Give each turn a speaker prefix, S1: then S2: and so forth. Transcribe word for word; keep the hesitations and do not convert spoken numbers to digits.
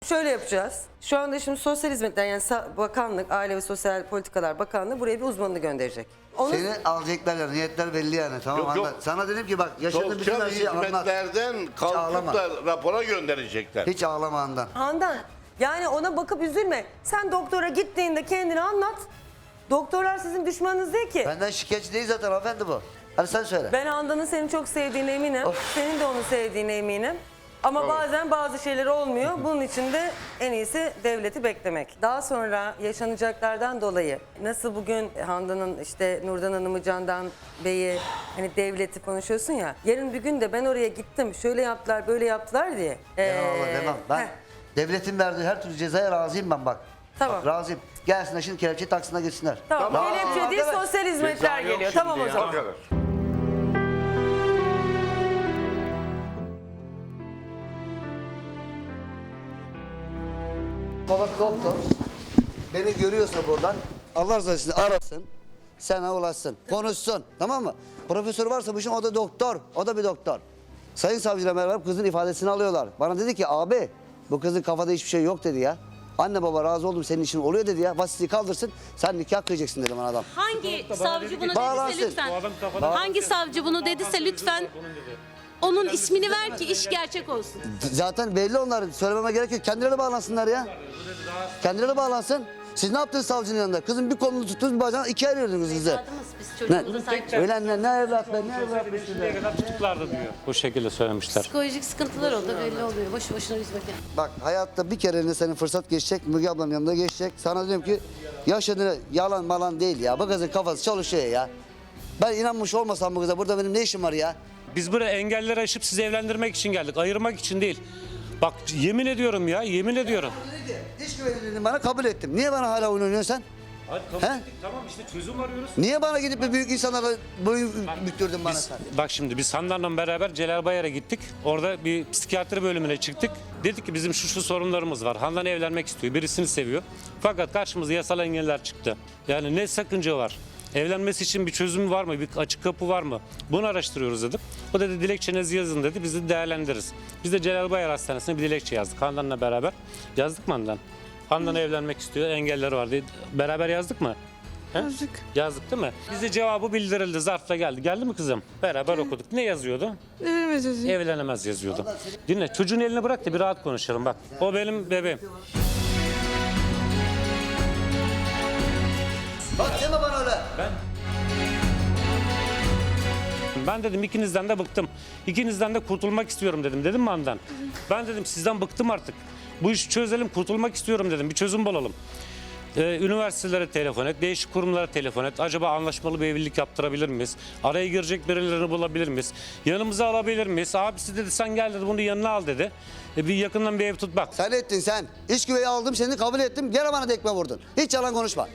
S1: şöyle yapacağız. Şu anda şimdi Sosyal Hizmetler yani Bakanlık, Aile ve Sosyal Politikalar Bakanlığı buraya bir uzmanını gönderecek. Onu...
S2: Seni alacaklar ya, niyetler belli yani, tamam
S3: Yok, yok.
S2: anlat. Sana dedim ki bak yaşadığın bütün
S3: Sosyal
S2: her şeyi anlat.
S3: hizmetlerden kalkıp da rapora gönderecekler.
S2: Hiç ağlama Handan.
S1: Handan, yani ona bakıp üzülme. Sen doktora gittiğinde kendini anlat. Doktorlar sizin düşmanınız değil ki.
S2: Benden şikayetçi değil zaten hanımefendi bu. Hadi sen söyle.
S1: Ben Handan'ın seni çok sevdiğine eminim.
S2: Of.
S1: Senin de onu sevdiğine eminim. Ama
S3: Tamam.
S1: bazen bazı şeyler olmuyor. Bunun için de en iyisi devleti beklemek. Daha sonra yaşanacaklardan dolayı nasıl bugün Handan'ın işte Nurdan Hanım'ı, Candan Bey'i hani devleti konuşuyorsun ya. Yarın bir gün de ben oraya gittim şöyle yaptılar böyle yaptılar diye.
S2: Eyvallah
S1: Ee,
S2: demem. Ben
S1: heh,
S2: devletin verdiği her türlü cezaya razıyım ben bak.
S1: Tamam.
S2: Bak, razıyım. Gelsinler şimdi kelepçeyi taksınlar gitsinler.
S1: Tamam.
S3: Tamam.
S1: Kelepçe değil
S2: Arkadaş,
S1: sosyal hizmetler
S3: Ceza yok
S1: geliyor.
S3: şimdi
S1: Tamam o
S3: ya.
S1: zaman.
S3: O kadar.
S2: Baba doktor beni görüyorsa buradan Allah razı olsun arasın. Sana ulaşsın. Konuşsun. Tamam mı? Profesör varsa bu işin o da doktor. O da bir doktor. Sayın savcıyla beraber kızın ifadesini alıyorlar. Bana dedi ki abi bu kızın kafada hiçbir şey yok dedi ya. Anne baba razı oldum senin için oluyor dedi ya. Vasiyeti kaldırsın sen nikah kıyacaksın dedi bana adam.
S4: Hangi savcı bunu
S2: Bağlansın.
S4: dediyse lütfen.
S5: Bu adam kafadan-
S4: Hangi savcı bunu dediyse lütfen onun ismini ver ki iş gerçek olsun.
S2: Zaten belli onlar. Söylememe gerek yok. Kendileri bağlansınlar ya. Kendileri bağlansın. Siz ne yaptınız savcının yanında? Kızın bir kolunu tuttunuz bir bacağını ikiye ayırıyordunuz kızı.
S4: Evladımız biz çocuğumuza sahip çıkıyoruz.
S2: Öyle ne, ne evlatlar ne evlatlar.
S5: Şimdiye kadar tutuklardı diyor. Bu şekilde söylemişler.
S4: Psikolojik sıkıntılar oldu belli oluyor. Boşu boşuna üzmek yani.
S2: Bak hayatta bir kere senin fırsat geçecek. Müge ablanın yanında geçecek. Sana diyorum ki yaşadığını yalan malan değil ya. Bu kızın kafası çalışıyor ya. Ben inanmış olmasam bu kıza burada benim ne işim var ya?
S5: Biz buraya engelleri aşıp sizi evlendirmek için geldik. Ayırmak için değil. Bak yemin ediyorum ya, yemin ediyorum.
S2: İş güvenliğini bana kabul ettim. Niye bana hala oyun oynuyorsun sen?
S5: Hadi
S2: He?
S5: kabul ettik, tamam işte çözüm arıyoruz.
S2: Niye bana gidip bir büyük insanlara boyun büktürdün bana
S5: Biz,
S2: sen?
S5: bak şimdi biz Handan'la beraber Celal Bayar'a gittik. Orada bir psikiyatri bölümüne çıktık. Dedik ki bizim şu şu sorunlarımız var. Handan evlenmek istiyor, birisini seviyor. Fakat karşımıza yasal engeller çıktı. Yani ne sakınca var? Evlenmesi için bir çözüm var mı? Bir açık kapı var mı? Bunu araştırıyoruz dedim. O dedi dilekçenizi yazın dedi. Biz de değerlendiririz. Biz de Celal Bayar Hastanesi'ne bir dilekçe yazdık. Handan'la beraber. Yazdık mı Handan? Handan evlenmek istiyor. Engelleri var diye. Beraber yazdık mı? He?
S6: Yazdık.
S5: Yazdık değil mi? Bize cevabı bildirildi. Zarfla geldi. Geldi mi kızım? Beraber okuduk. Ne yazıyordu?
S6: Evlenemez yazıyor.
S5: Evlenemez yazıyordu. Dinle çocuğun eline bırak da bir rahat konuşalım bak. O benim bebeğim.
S2: Bak deme bana öyle.
S5: Ben dedim ikinizden de bıktım. İkinizden de kurtulmak istiyorum dedim. Dedim mi Handan? Ben dedim sizden bıktım artık. Bu işi çözelim, kurtulmak istiyorum dedim. Bir çözüm bulalım. Ee, üniversitelere telefon et, değişik kurumlara telefon et. Acaba anlaşmalı bir evlilik yaptırabilir miyiz? Araya girecek birilerini bulabilir miyiz? Yanımıza alabilir miyiz? Abisi dedi sen gel dedi bunu yanına al dedi. E, bir yakından bir ev tut bak.
S2: Sen ettin sen. İş güveyi aldım seni kabul ettim. Gene bana dekme vurdun. Hiç yalan konuşma.